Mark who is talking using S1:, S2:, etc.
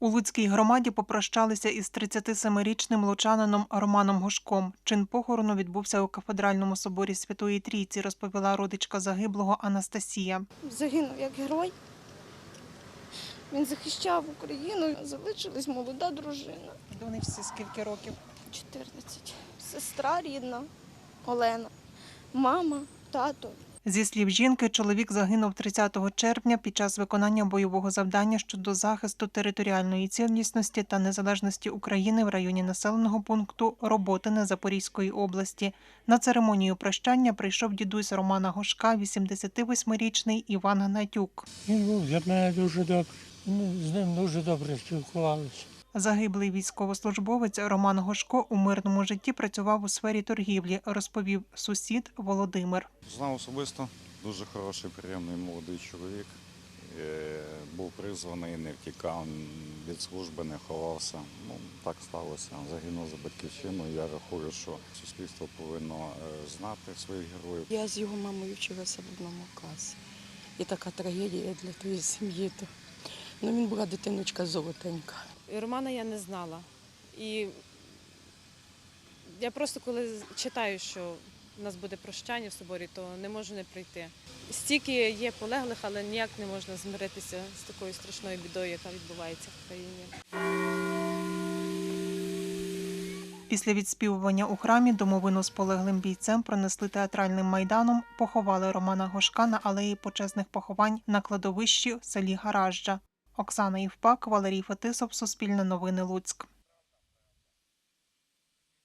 S1: У Луцькій громаді попрощалися із 37-річним лучанином Романом Гошком. Чин похорону відбувся у кафедральному соборі Святої Трійці, розповіла родичка загиблого Анастасія.
S2: Загинув як герой. Він захищав Україну, залишилась молода дружина.
S1: Донечці скільки років?
S2: 14. Сестра рідна Олена, мама, тато.
S1: Зі слів жінки, чоловік загинув 30 червня під час виконання бойового завдання щодо захисту територіальної цілісності та незалежності України в районі населеного пункту Роботине Запорізької області. На церемонію прощання прийшов дідусь Романа Гошка, 88-річний Іван Гнатюк.
S3: Він був для мене дуже добрий. Ми з ним дуже добре спілкувалися.
S1: Загиблий військовослужбовець Роман Гошко у мирному житті працював у сфері торгівлі, розповів сусід Володимир.
S4: Знав особисто, дуже хороший, приємний молодий чоловік. Був призваний, не втікав від служби, не ховався. Так сталося. Загинув за батьківщину. Я рахую, що суспільство повинно знати своїх героїв.
S5: Я з його мамою вчилася в одному класі. І така трагедія для тієї сім'ї. Він була дитиночка золотенька.
S6: Романа я не знала. І я просто коли читаю, що у нас буде прощання в соборі, то не можу не прийти. Стільки є полеглих, але ніяк не можна змиритися з такою страшною бідою, яка відбувається в країні.
S1: Після відспівування у храмі домовину з полеглим бійцем пронесли театральним майданом, поховали Романа Гошка на алеї почесних поховань на кладовищі в селі Гаражджа. Оксана Євпак, Валерій Фетисов, Суспільне новини, Луцьк.